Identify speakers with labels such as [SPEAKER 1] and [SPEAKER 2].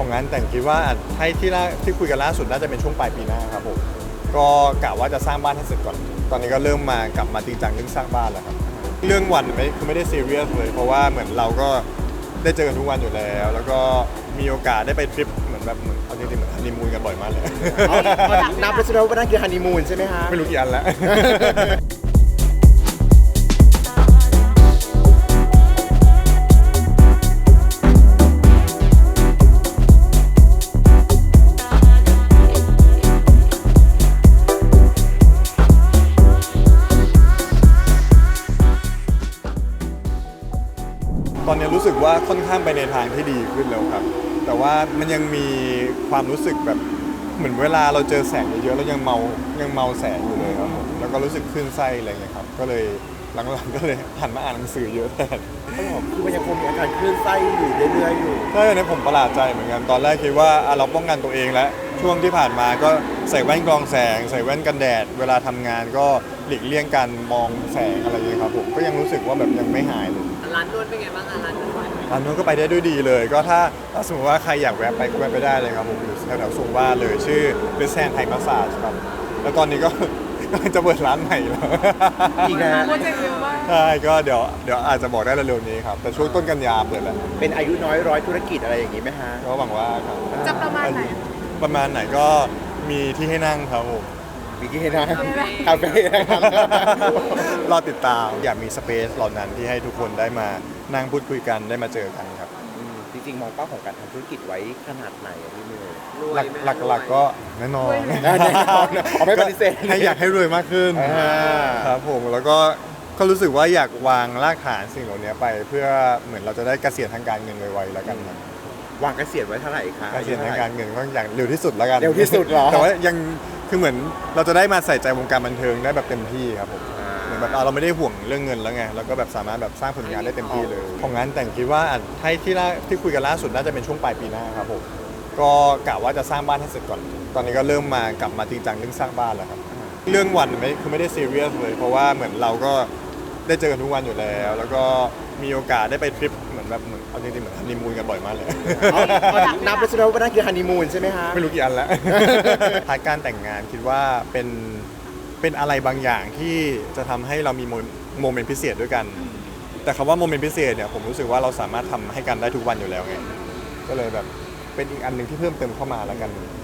[SPEAKER 1] ของงานแต่งคิดว่าให้ที่คุยกันล่าสุดน่าจะเป็นช่วงปลายปีหน้าครับผมก็กะว่าจะสร้างบ้านให้เสร็จก่อนตอนนี้ก็เริ่มกลับมาจริงจังเรื่องสร้างบ้านแล้วครับเรื่องวันไม่ได้ซีเรียสเลยเพราะว่าเหมือนเราก็ได้เจอกันทุกวันอยู่แล้วก็มีโอกาสได้ไปทริปเหมือนเอาจริงๆเหมือนฮันนีมูนกันบ่อยมากเลย
[SPEAKER 2] นับไปใช่ไหมว่านั่นคือฮันนีมูนใช่ไหมฮะ
[SPEAKER 1] ไม่รู้กี่อันแล้ว ตอนนี้รู้สึกว่าค่อนข้างไปในทางที่ดีขึ้นแล้วครับแต่ว่ามันยังมีความรู้สึกแบบเหมือนเวลาเราเจอแสงเยอะๆแล้วยังเมาแสงอยู่เลยครับผมแล้วก็รู้สึกคลื่นไส้อะไรเงี้ยครับก็เลยหลังๆก็เลยหันมาอ่านหนังสือเยอะแทน
[SPEAKER 2] คือมันยังคงมีอาการคลื่นไส้อยู่เรื่อยๆอยู่
[SPEAKER 1] ใช่อันนี้ผมประหลาดใจเหมือนกันตอนแรกคิดว่าเราป้องกันตัวเองแล้วช่วงที่ผ่านมาก็ใส่แว่นกรองแสงใส่แว่นกันแดดเวลาทำงานก็หลีกเลี่ยงการมองแสงอะไรอย่างเงี้ยครับผมก็ยังรู้สึกว่าแบบยังไม่หายเลย
[SPEAKER 3] ร้านนวดเป็นไงบ้างคะร้านนวด
[SPEAKER 1] ร้านนู้นก็ไปได้ด้วยดีเลยก็ถ้าสมมติว่าใครอยากแวะไปก็แวะไปได้เลยครับผมอยู่แถวๆทรงวาดเลยชื่อเบสแซนไทยมาสซาจครับแล้วตอนนี้ก็ กำลังจะเปิดร้านใหม่แล้ว
[SPEAKER 2] อีกนะ
[SPEAKER 3] โปรเจกต์เยอะมาก
[SPEAKER 1] ใช่ก็เดี๋ยวอาจจะบอกได้เร็วๆนี้ครับแต่ช่วงต้นกันยาเปิดแล้ว
[SPEAKER 2] เป็นอายุน้อยร้อยธุรกิจอะไรอย่างนี้ไหมฮะ
[SPEAKER 1] ก็หวังว่าครับ
[SPEAKER 3] จะประมาณไหน
[SPEAKER 1] ประมาณไหนก็มีที่ให้นั่งครับผม
[SPEAKER 2] มีที่ให้นะคาเฟ่นะครับ
[SPEAKER 1] รอติดตามอยากมีสเปซเหล่านั้นที่ให้ทุกคนได้มานั่งพูดคุยกันได้มาเจอกันครับ
[SPEAKER 2] จริงๆมองเป้าของการทำธุรกิจไว้ขนาดไหนอะพี่เมย์
[SPEAKER 1] หลักก็แน่นอน
[SPEAKER 2] แน่นอนไม่ปฏิเสธ
[SPEAKER 1] ให้อยากให้รวยมากขึ้น
[SPEAKER 2] อ่า
[SPEAKER 1] ครับผมแล้วก็รู้สึกว่าอยากวางรากฐานสิ่งเหล่านี้ไปเพื่อเหมือนเราจะได้เกษียณทางการเงินไวๆแล้วกันครับ
[SPEAKER 2] วางเกษียณไว้เท่าไหร่คะ
[SPEAKER 1] เกษียณทางการเงินก็อย่างเร็วที่สุดแล้วกัน
[SPEAKER 2] เร็วที่สุดเหรอ
[SPEAKER 1] แต่ว่ายังคือเหมือนเราจะได้มาใส่ใจวงการบันเทิงได้แบบเต็มที่ครับผม เหมือนแบบเราไม่ได้ห่วงเรื่องเงินแล้วไงเราก็แบบสามารถแบบสร้างผลงานได้เต็มที่เลยของงานแต่งคิดว่าให้ที่คุยกันล่าสุดน่าจะเป็นช่วงปลายปีหน้าครับผมก็กะว่าจะสร้างบ้านให้เสร็จก่อนตอนนี้ก็เริ่มกลับมาจริงจังเรื่องสร้างบ้านแล้วครับเรื่องวันไม่ได้ซีเรียสเลยเพราะว่าเหมือนเราก็ได้เจอกันทุกวันอยู่แล้วก็มีโอกาสได้ไปทริปเหมือนเอาจริงๆเหมือนฮันนีมูนกันบ่อยมากเลย
[SPEAKER 2] นับไปใช่ไหมว่านั่นคือฮันนีมูนใช่ไหมฮะ
[SPEAKER 1] ไม่รู้กี่อันแล้ว พาร์ทการแต่งงานคิดว่าเป็นอะไรบางอย่างที่จะทำให้เรามีโมเมนต์พิเศษด้วยกัน แต่คำว่าโมเมนต์พิเศษเนี่ยผมรู้สึกว่าเราสามารถทำให้กันได้ทุกวันอยู่แล้วไงก็เลยแบบเป็นอีกอันหนึ่งที่เพิ่มเติมเข้ามาแล้วกัน